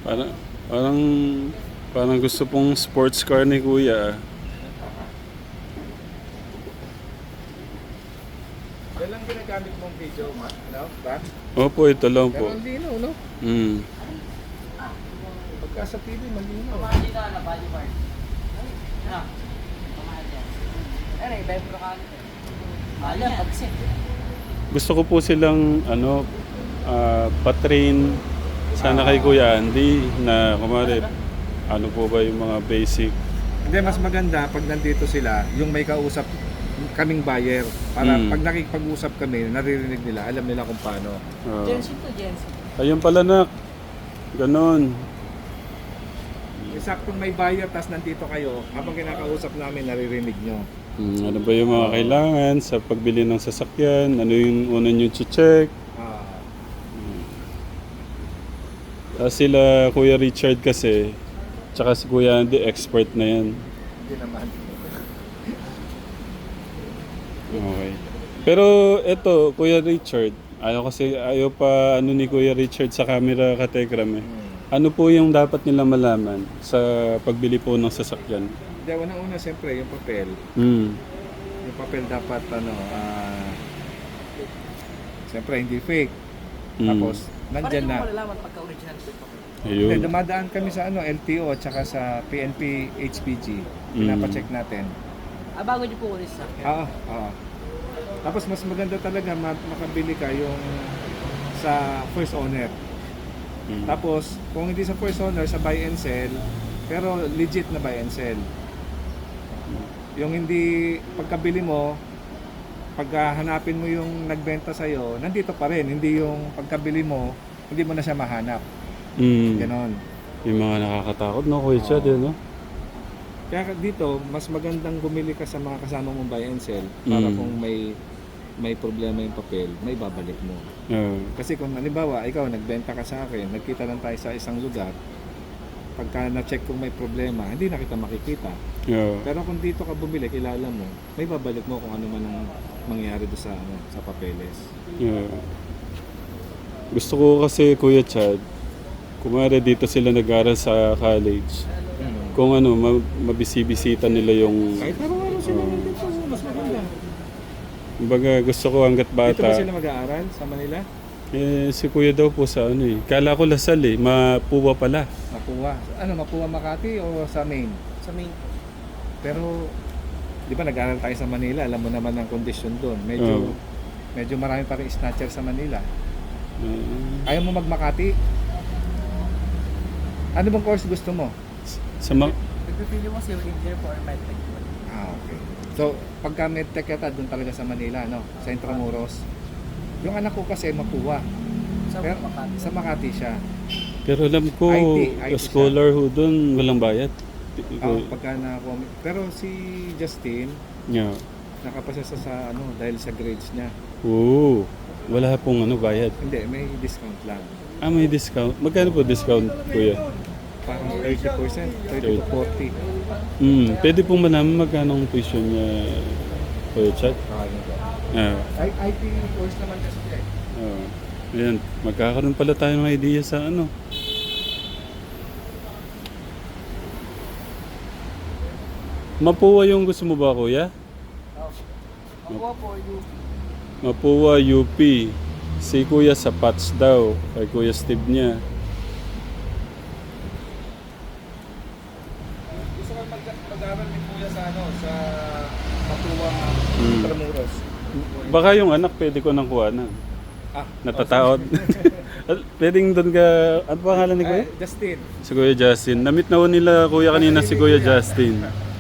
Parang, parang, parang gusto pong sports car ni Kuya. Yan lang ginagamit mong video, no? Ba? Opo, ito lang Pero po. ang linaw, no? Mm. Pagka sa TV, malinaw. Gusto ko po silang patrain sana kay Kuya Andy na kumari ano po ba yung mga basic. Hindi, mas maganda pag nandito sila, yung may kausap kaming buyer. Para pag nakikipag-usap kami, naririnig nila, alam nila kung paano. Jensen to Jensen. Ayun pala nak. Ganon. Saktong may buyer, tas nandito kayo, habang kinakausap namin, naririnig nyo. Ano ba yung mga kailangan sa pagbili ng sasakyan? Ano yung una nyo check? Ah, Sila Kuya Richard kasi, tsaka si Kuya Andy, expert na yan. hindi naman. Okay. Pero eto, Kuya Richard, ayaw pa ni Kuya Richard sa camera kategram eh. Ano po yung dapat nila malaman sa pagbili po ng sasakyan? Hindi, unang-una, siyempre, yung papel. Mm. Yung papel dapat, siyempre, hindi fake. Tapos, nandyan na. malalaman pagka original po ito. Hindi, Ayun. dumadaan kami sa LTO at saka sa PNP HPG. Pinapacheck natin. Bago niyo po ulit sa akin. Oo. Tapos mas maganda talaga makabili ka yung sa first owner. Mm. Tapos kung hindi sa first owner, sa buy and sell, pero legit na buy and sell. Yung hindi pagkabili mo, paghahanapin mo yung nagbenta sa'yo, nandito pa rin. Hindi yung pagkabili mo, hindi mo na siya mahanap. Mm. Ganon. Yung mga nakakatakot, no, Kuya Chad, no? Kaya dito, mas magandang bumili ka sa mga kasama mong buy and sell para kung may problema yung papel, may babalik mo. Kasi kung halimbawa, ikaw nagbenta ka sa akin, nagkita lang tayo sa isang lugar, pagka na-check kung may problema, hindi na kita makikita. Pero kung dito ka bumili, kilala mo, may babalik mo kung ano man ang mangyayari doon sa papeles. Gusto ko kasi, Kuya Chad, kumare dito sila nag-aral sa college. Kung mabisibisita nila yung... Kahit araw-araw sila nandito, mas maganda. Kumbaga, gusto ko hanggat Dito ba bata. sila mag-aaral sa Manila? Si Kuya daw po sa Kala ko Lasal Mapuwa pala. Mapuwa. Mapuwa Makati o sa Maine? Sa main. Pero, di ba nag-aaral tayo sa Manila, alam mo naman ang kondisyon doon. Medyo marami pa rin snatcher sa Manila. Ayaw mo mag-Makati? Ano bang course gusto mo? Nagpipili mo civil engineer po or medtech po. Okay. So, pagka medtech yata, doon talaga sa Manila, no? Sa Intramuros. Yung anak ko kasi Mapuwa. Sa Pero, Makati. sa Makati siya. Pero alam ko, IT scholar ho doon, walang bayad. Pagka pero si Justin, Yeah. nakapasa sa dahil sa grades niya. Oo. Wala pong bayad. Hindi, may discount lang. May discount. Magkano po discount, Kuya? Parang 30%, 30 to 40. Pwede pong malaman magkano ang tuition niya, Kuya Chad? IT course naman kasi Ayan, magkakaroon pala tayo ng idea sa Mapuwa yung gusto mo ba, Kuya? Makuha po yung Mapuwa, UP. Si Kuya sa Pats daw. Kay Kuya Steve niya. gusto ko mag-aral ni Kuya sa sa Mapuwa, Intramuros. Baka yung anak pwede ko nang kuha na. Natataot. Pwedeng doon ka... Ano pangalan ni Kuya? Justin. Si Kuya Justin. Na-meet na ho nila Kuya kanina si Kuya Justin.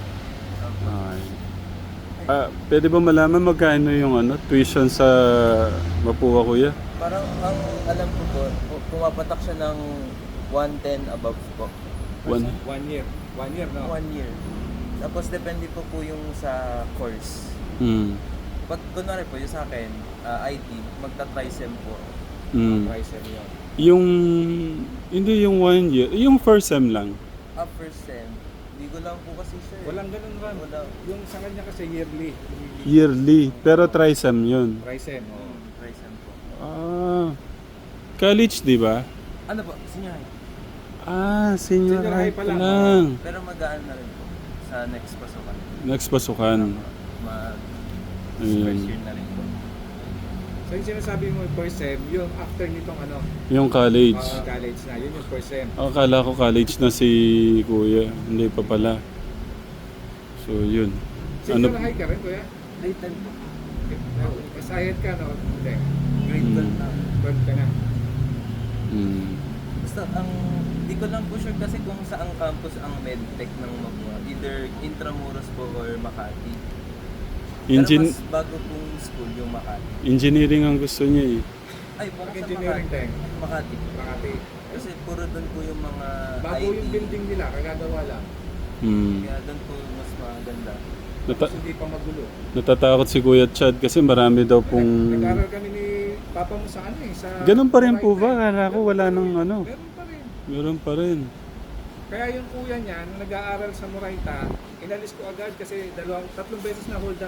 Pwede ba malaman magkano yung tuition sa Mapuwa, Kuya? parang ang alam ko po, pumapatak siya ng 110 above po. One. 1 year. 1 year, no? 1 year. Tapos depende po yung sa course. Pag kunwari po yung sa akin, IT, magta-trisem po. Price yun. Yung... Hindi yung 1 year. Yung first sem lang. First sem, hindi ko lang po kasi sure. Walang ganun ram. Wala. Yung sa kanya kasi yearly. Yearly. Pero trisem yun. Price Trisem po. College, di ba? Ano po? Sinyahay? Senior Senior high high pa pa lang, lang. Pero magaan na rin po sa next pasukan. Next pasukan. Mag Ayun. first year na rin po. So yung sinasabi mo first sem, yung after nitong Yung college. college na, yun yung first sem. Akala ko college na si Kuya. Hindi pa pala. So, yun. Senior high ka rin, kuya? Grade 10 po. Asayad ka, no? Hindi. Grade 12 na. 12 ka na. Mm. Basta di ko lang po sure kasi kung saang campus ang medtech ng Magwa. Either Intramuros po or Makati. Pero mas bago pong school yung Makati. Engineering ang gusto niya eh. Ay, baka sa Engineering Makati. tech. Makati. Makati. Kasi puro doon po yung mga Bago IT. yung building nila, kagagawa lang. Kaya doon po mas maganda. Tapos hindi pa magulo. Natatakot si Kuya Chad kasi marami daw pong... Nag-aral kami ni Papa mo sa ano eh. Sa Ganun pa rin po Moraita. ba? Kala ko wala nang ano. Meron pa rin. Meron pa rin. Kaya yung kuya niya, nung nag-aaral sa Moraita, inalis ko agad kasi tatlong beses na hold up.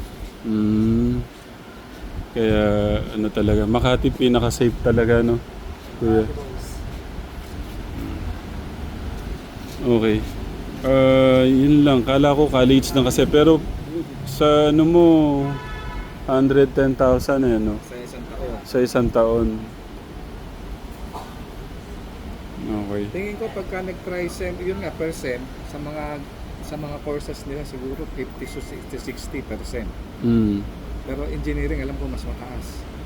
Kaya ano talaga, Makati pinaka-safe talaga no? Kuya. Okay. Yun lang. Kala ko college na kasi. Pero sa ano mo, 110,000 eh, no? Sa isang taon. Sa isang taon. Okay. Tingin ko pagka nag-try sem, yun nga per sem, sa mga courses nila siguro 50 to 60%. Pero engineering alam ko mas mataas.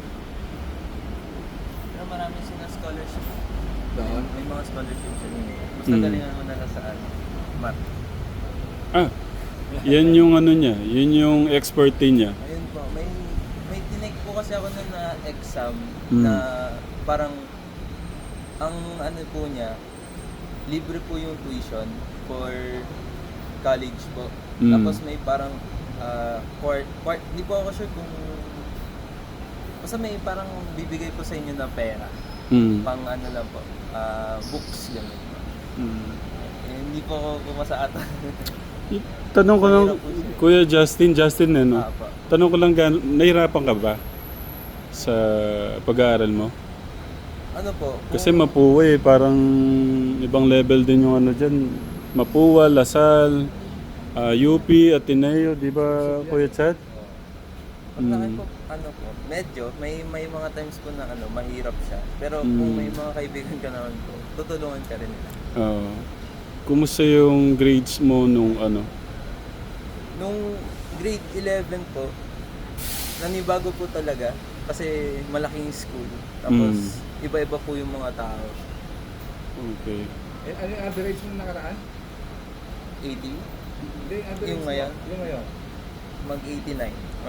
Pero marami silang scholarship. Doon? May mga scholarship sila. Mas Mm. nagalingan mo na lang sa math. Yan yung ano niya. Yun yung expertise niya. Ayun po, may tinake po kasi ako nun na exam Mm. na parang ang ano po niya, libre po yung tuition for college po. Mm. Tapos may parang hindi po ako sure kung basta may parang bibigay po sa inyo na pera. Pang ano lang po, books ganun po. Hindi po ako pumasa ata. Tanong ko lang, Kuya Justin eh, no? Po. Tanong ko lang, nahirapan ka ba sa pag-aaral mo? Ano po? Kasi Mapua eh, parang ibang level din yung ano dyan. Mapua, Lasal, UP, Ateneo, di ba Kuya Chad? Pag laki po, ano po, medyo, may mga times po na ano, mahirap siya. Pero kung may mga kaibigan ka naman po, tutulungan ka rin nila. Kumusta yung grades mo nung ano? Nung grade 11 po, nanibago po talaga kasi malaking school. Tapos iba-iba po yung mga tao. Okay. Ano yung average mo nakaraan? 80, Hindi, average Yung ngayon? Yung ngayon. mag 89 or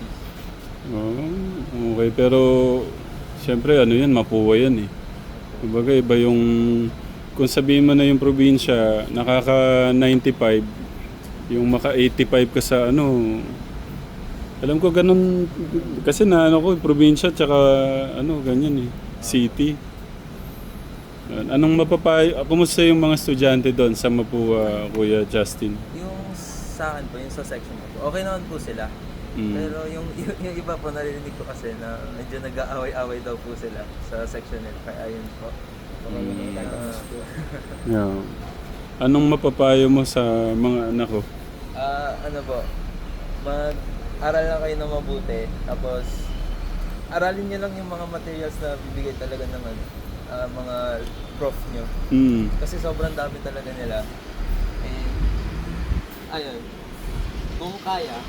90. Okay, pero siyempre ano yan, Mapua yan eh. Kumbaga iba yung, kung sabihin mo na yung probinsya, nakaka 95, yung maka 85 ka sa ano, alam ko ganun, kasi na ano ko, probinsya tsaka ano, ganyan eh, city. Anong mapapayo, kumusta yung mga estudyante doon sa Mapua, Kuya Justin? Yung sa akin po, yung sa section ko po, okay naman po sila. Pero yung iba po narinig ko kasi na medyo nag-aaway-away daw po sila sa section nila. Kaya ayun po. Yeah. Anong mapapayo mo sa mga anak ko? Ano po, mag-aral lang kayo ng mabuti. Tapos, aralin nyo lang yung mga materials na bibigay talaga ng mga prof nyo. Kasi sobrang dami talaga nila. Ayun, kung kaya,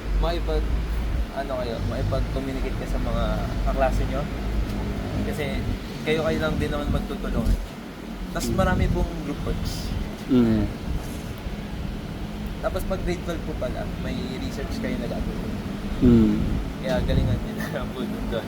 maipag-communicate ka sa mga kaklase nyo. Kasi kayo lang din naman magtutulungan. Tapos marami pong group works. Tapos pag grade 12 po pala, may research kayo na gagawin. Kaya galingan nyo na po doon.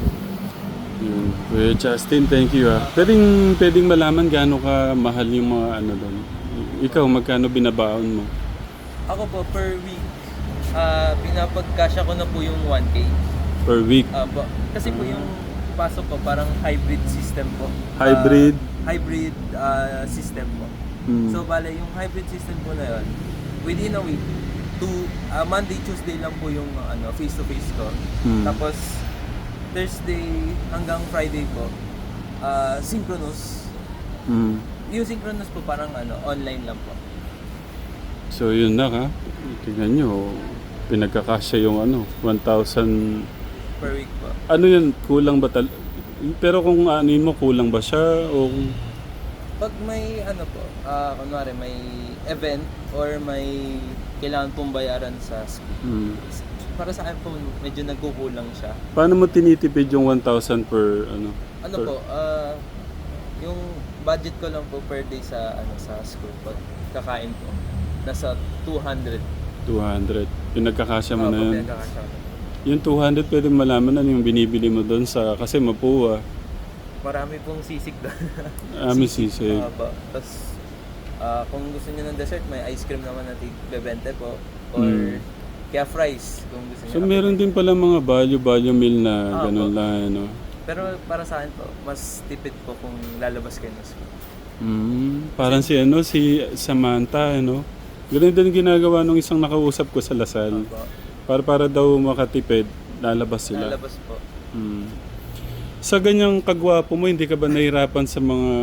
Kuya Justin, thank you ah. Pwedeng malaman gaano ka mahal yung mga ano doon. Ikaw, magkano binabaon mo? Ako po, per week, pinapagkasya ko na po yung 1K. Per week? Kasi po yung pasok ko, parang hybrid system po. Hybrid? Hybrid system po. So, bale, yung hybrid system po na yun, within a week, Monday, Tuesday lang po yung face-to-face ko. Tapos, Thursday hanggang Friday po, synchronous. Yung synchronous po parang online lang po. So yun na ha. Tingnan nyo, pinagkakasya yung 1,000. Per week po. Ano yun, kulang ba pero kung anin mo, kulang ba siya o... Pag may po, kunwari may event or may kailangan pong bayaran sa school. Para sa akin po, medyo nagkukulang siya. Paano mo tinitipid yung 1,000 per per- Po, yung budget ko lang po per day sa sa school pag kakain po. Nasa 200. 200. Pinagkakasya mo na yun. Pinagkakasya ko. Yung 200 pwede malaman ano yung binibili mo doon sa... Kasi Mapua. Marami pong sisig doon. May sisig. Tapos, kung gusto niyo ng dessert, may ice cream naman na tig-20 po. Or, kaya fries, kung gusto niyo. So meron din pala mga value meal na ganun lang, Pero para sa akin po, mas tipid po kung lalabas kayo ng school. Parang si Samantha, Ganun din ginagawa nung isang nakausap ko sa Lasal. Para daw makatipid, lalabas sila. Lalabas po. Sa ganyang kagwapo mo, hindi ka ba nahirapan sa mga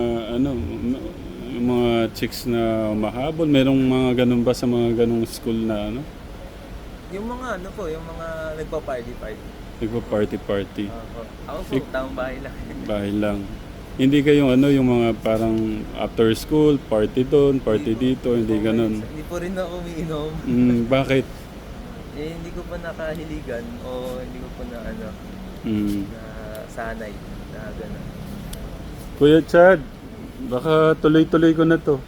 mga chicks na mahabol? Merong mga ganun ba sa mga ganung school na Yung mga yung mga nagpa-party. Nagpa-party. Ako po, tamang bahay lang. Bahay lang. Hindi kayong yung mga parang after school, party doon, party dito, hindi ganun. Hindi po rin ako umiinom. Bakit? Hindi ko pa nakahiligan o hindi ko pa na na sanay na gano'n. Kuya Chad, baka tuloy-tuloy ko na to.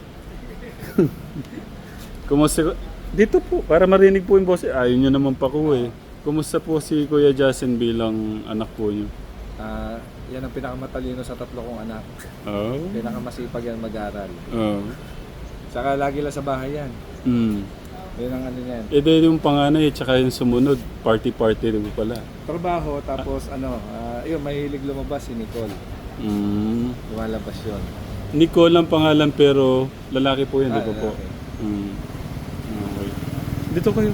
Kumusta? Dito po, para marinig po yung boss. Ayaw nyo naman pa ko eh. Kumusta po si Kuya Justin bilang anak po nyo? Yan ang pinakamatalino sa 3 kong anak. Oh. Pinakamasipag yan mag-aral. Oh. Saka lagi lang sa bahay yan. Yan ang yan. Di yung panganay at saka yung sumunod, party-party rin pala. Trabaho, tapos yun, mahilig lumabas si Nicole. Lumalabas yun. Nicole ang pangalan pero lalaki po yun, di ba po? Lalaki. Okay. Dito kayo.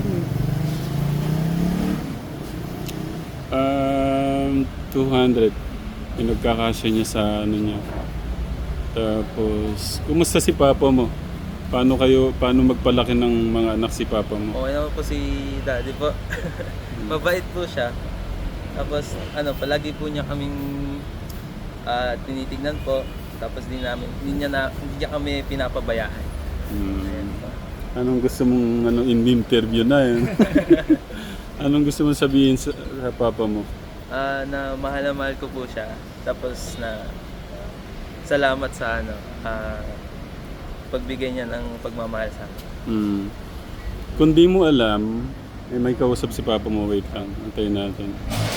200. Pinagkakasya niya sa niya. Tapos, kumusta si Papa mo? Paano magpalaki ng mga anak si Papa mo? Okay naman po si Daddy po. Mabait po siya. Tapos palagi po niya kaming tinitignan po. Tapos hindi niya kami pinapabayaan. Ayan po. Anong gusto mong in-interview na yun? Anong gusto mong sabihin sa Papa mo? Na mahal na mahal ko po siya. Tapos na salamat sa pagbigay niya ng pagmamahal sa akin. Kung di mo alam, may kausap si Papa mo. Wait lang, antayin natin.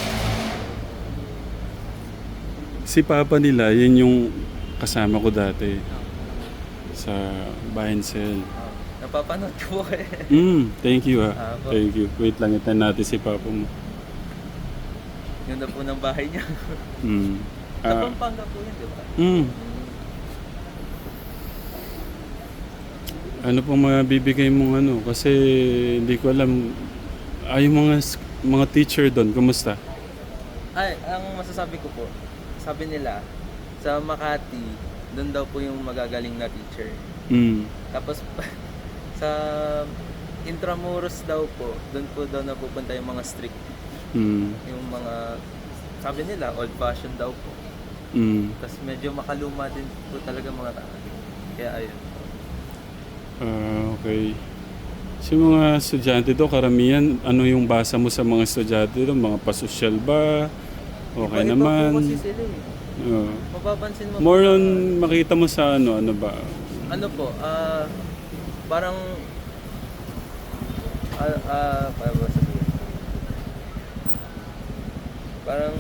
Si Papa nila, yun yung kasama ko dati sa buy and sell. Napapanood ko po eh. Thank you ha. Po. Thank you. Wait lang, itan natin si Papa mo. Yun na po ng bahay niya. Sa Pampanga po yun, di ba? Ano pong mabibigay mong kasi hindi ko alam. Yung mga teacher doon, kumusta? Ang masasabi ko po, sabi nila, sa Makati, doon daw po yung magagaling na teacher. Tapos, sa Intramuros daw po, doon po daw napupunta yung mga strict. Yung mga, sabi nila, old-fashioned daw po. Tapos medyo makaluma din po talaga mga tao. Kaya ayun. Okay. Sa mga estudyante doon, karamihan, ano yung basa mo sa mga estudyante doon? Mga pasosyal ba? Okay Iba-iba naman. po kasi sila eh. Mapapansin mo More po on makita mo sa ano ba? Parang paano ba sabihin? Parang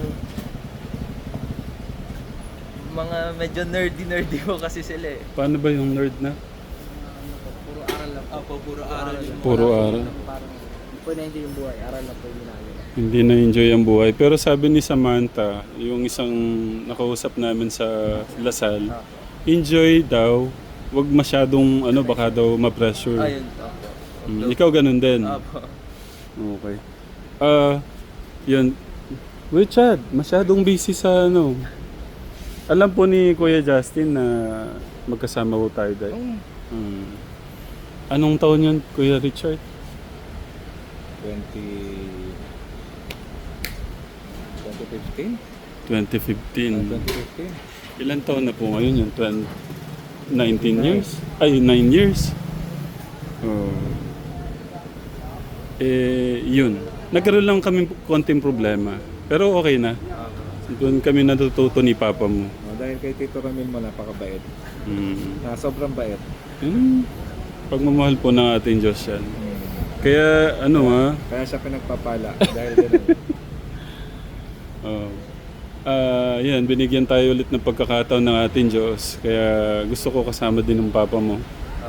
mga medyo nerdy po kasi sila eh. Paano ba yung nerd na? Puro aral lang. Puro aral. Puro aral. Parang hindi po na-enjoy yung buhay. Aral lang po yung ginagawa. Hindi na-enjoy ang buhay. Pero sabi ni Samantha, yung isang nakausap namin sa Lasal, enjoy daw. Huwag masyadong, baka daw ma-pressure. Ayun. Ikaw ganun din? Apo. Okay. Yun. Richard, masyadong busy sa Alam po ni Kuya Justin na magkasama po tayo dahil. Mm. Anong taon yun, Kuya Richard? 2015? 2015. 2015. Ilan taon na po ngayon yun? 19 years? Ay, 9 years. Oh. Yun. Nagkaroon lang kami konting problema. Pero okay na. Doon kami natututo ni Papa mo. Dahil kay Tito Ramil mo, napakabait. Sobrang bait. Pagmamahal po ng ating Diyos yan. Kaya ano Kaya siya pinagpapala. Dahil ganun. yan, binigyan tayo ulit ng pagkakataon ng ating Diyos. Kaya gusto ko kasama din ng Papa mo.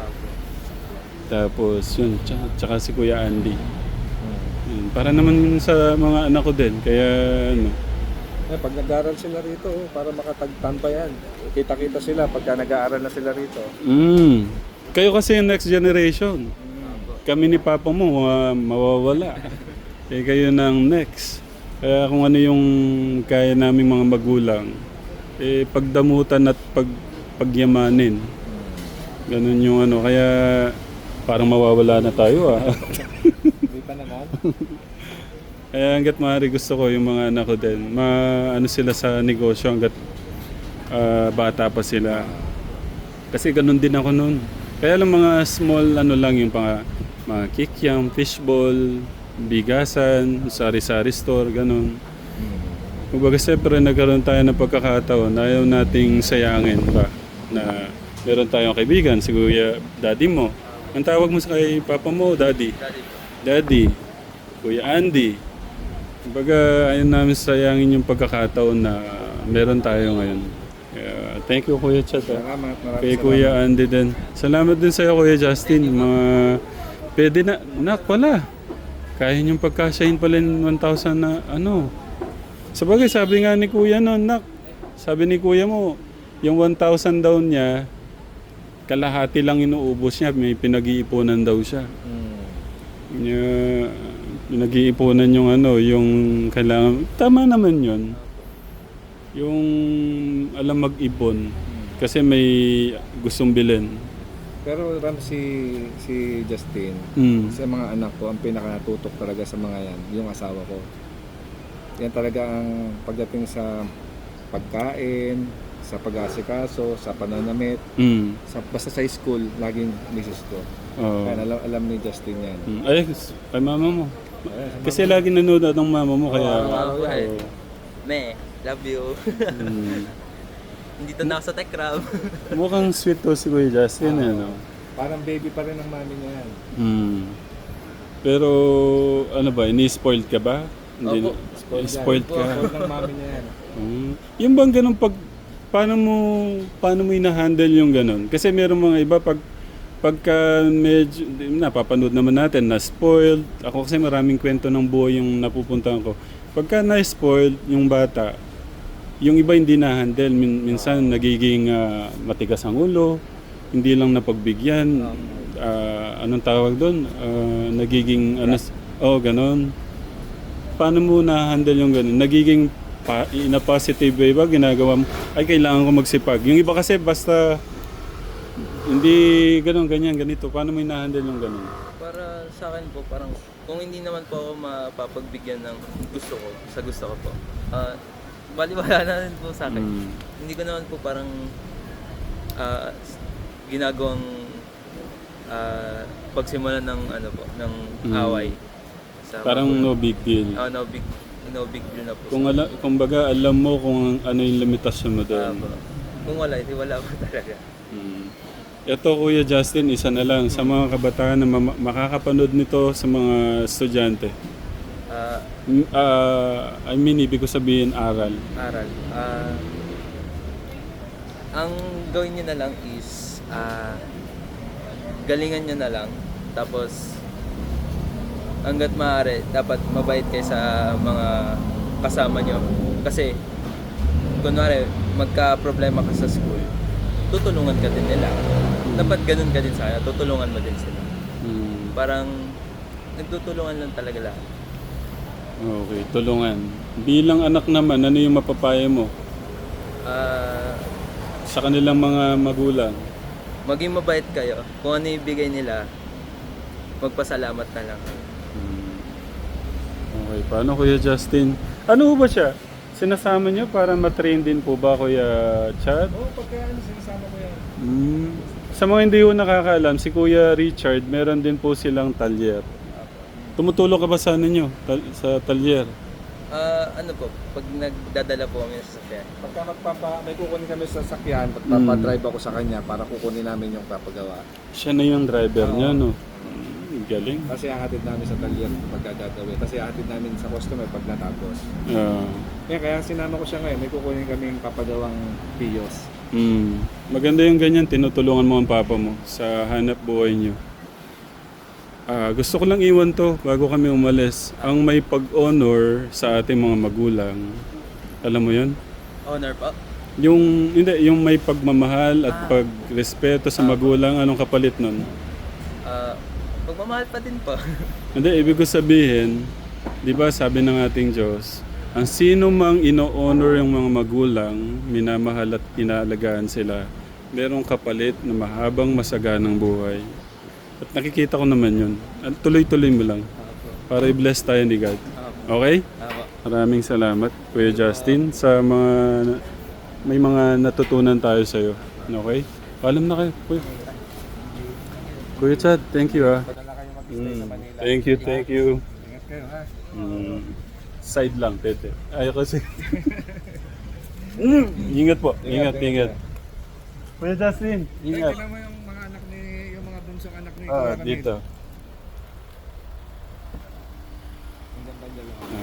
Tapos yun, tsaka si Kuya Andy. Yun, para naman sa mga anak ko din. Kaya ano. Pag nag-aaral sila rito, para makatagtambay yan. Kita-kita sila pagka nag-aaral na sila rito. Kayo kasi yung next generation. Kami ni Papa mo, mawawala. Kayo ng next. Kaya kung ano yung kaya naming mga magulang, pagdamutan at pagyamanin. Ganun yung ano. Kaya parang mawawala na tayo Hindi pa naman. Kaya hanggat maaari gusto ko yung mga anak ko din, ano sila sa negosyo hanggat bata pa sila. Kasi ganun din ako noon. Kaya lang mga small ano lang yung mga kikiam, fishball, bigasan, sari-sari store, ganun. Kumbaga siyempre nagkaroon tayo ng pagkakataon, ayaw nating sayangin ba na meron tayong kaibigan, si Kuya Daddy mo. Ang tawag mo sa kay Papa mo, Daddy? Daddy. Kuya Andy. Kumbaga, ayun namin sayangin yung pagkakataon na meron tayo ngayon. Thank you, Kuya Chat. Salamat. Kay Kuya Andy din. Salamat din sa'yo, Kuya Justin. Pwede na, nak pala. Kaya niyong pagkasyahin pala yung 1,000 na ano. Sabagay, sabi nga ni Kuya noon, nak. Sabi ni Kuya mo, yung 1,000 daw niya, kalahati lang inuubos niya. May pinag-iipunan daw siya. Nag-iipunan yung ano, yung kailangan. Tama naman yun. Yung alam mag-ipon. Kasi may gustong bilhin. Pero Ram, si Justin, sa mga anak ko, ang pinakatutok talaga sa mga yan, yung asawa ko. Yan talaga ang pagdating sa pagkain, sa pag-asikaso, sa pananamit, basta sa school, laging misis ko. Kaya alam ni Justin yan. Ay, kay mama mo. Kasi lagi nanonood ng mama mo, kaya... Me, love you. Dito na ako sa Tech Crab. Mukhang sweet to si Kuya Justin, no? Parang baby pa rin ang mami niya yan. Pero, ano ba, ini-spoiled ka ba? Opo. Spoiled ka. Spoiled ng mami niya yan. Yung bang ganun paano mo ina-handle yung ganun? Kasi meron mga iba pagka medyo, napapanood naman natin, na-spoiled. Ako kasi maraming kwento ng buhay yung napupuntahan ko. Pagka na-spoiled yung bata, yung iba hindi na-handle. Minsan nagiging matigas ang ulo, hindi lang napagbigyan. Anong tawag doon? Nagiging, ganun. Paano mo na-handle yung ganun? Nagiging in a positive way ba ginagawa mo? Ay, kailangan ko magsipag. Yung iba kasi basta hindi ganito. Paano mo ina-handle yung ganun? Para sa akin po, parang kung hindi naman po ako mapapagbigyan ng gusto ko, sa gusto ko po, baliwala na rin po sa akin. Hindi ko naman po parang ginagawang pagsimulan ng ng away. Parang no big deal. No big deal na po. Kumbaga alam mo kung ano yung limitasyon mo doon. Kung wala, hindi wala po talaga. Ito, Kuya Justin, isa na lang sa mga kabataan na makakapanood nito sa mga estudyante. Ibig ko sabihin aral. Ang gawin nyo na lang is galingan nyo na lang. Tapos hanggat maaari, dapat mabait kayo sa mga kasama nyo. Kasi kunwari, magka-problema ka sa school, tutulungan ka din nila. Dapat ganun ka din sana, tutulungan mo din sila. Parang nagtutulungan lang talaga lahat. Okay, tulungan. Bilang anak naman, ano yung mapapaya mo? Sa kanilang mga magulang? maging mabait kayo. Kung ano yung ibigay nila, magpasalamat na lang. Okay, paano Kuya Justin? Ano ba siya? Sinasama niyo para matrain din po ba Kuya Chad? Oo, pagka sinasama ko yan. Sa mga hindi ko nakakaalam, si Kuya Richard, meron din po silang talyer. Tumutulong ka ba sa ano nyo? Sa talyer? Ano po, pag nagdadala po kami sa sasakyan, Pagka may kukunin kami sa sakyan, pagpapadrive ako sa kanya para kukunin namin yung papagawa. Siya na yung driver niya, no? Galing. Kasi hahatid namin sa talyer pagka gagawin. Kasi hahatid namin sa customer pag natapos. Kaya sinama ko siya ngayon, may kukunin kaming papagawang piyos. Maganda yung ganyan, tinutulungan mo ang papa mo sa hanap buhay nyo. Gusto ko lang iwan to bago kami umalis. Ang may pag-honor sa ating mga magulang, alam mo yun? honor po. Yung may pagmamahal at pagrespeto sa magulang, anong kapalit nun? Pagmamahal pa din po. Hindi, ibig ko sabihin, di ba sabi ng ating Diyos, ang sino mang ino-honor yung mga magulang, minamahal at inaalagaan sila, merong kapalit na mahabang masaganang buhay. At nakikita ko naman yun. At tuloy-tuloy mo lang. Para i-bless tayo ni God. Okay? Maraming salamat, Kuya Justin, sa may mga natutunan tayo sa iyo. Okay? Paalam na kayo, Kuya. Kuya Chad, thank you Padala kayo mag-stay sa Manila. Thank you. Ingat kayo ha. Side lang, tete. Ayaw kasi. Ingat po. Ingat. Kuya Justin, ingat. Tingnan mo yung mga anak yung mga bunsong anak ni Dito. Ang ganda dyan.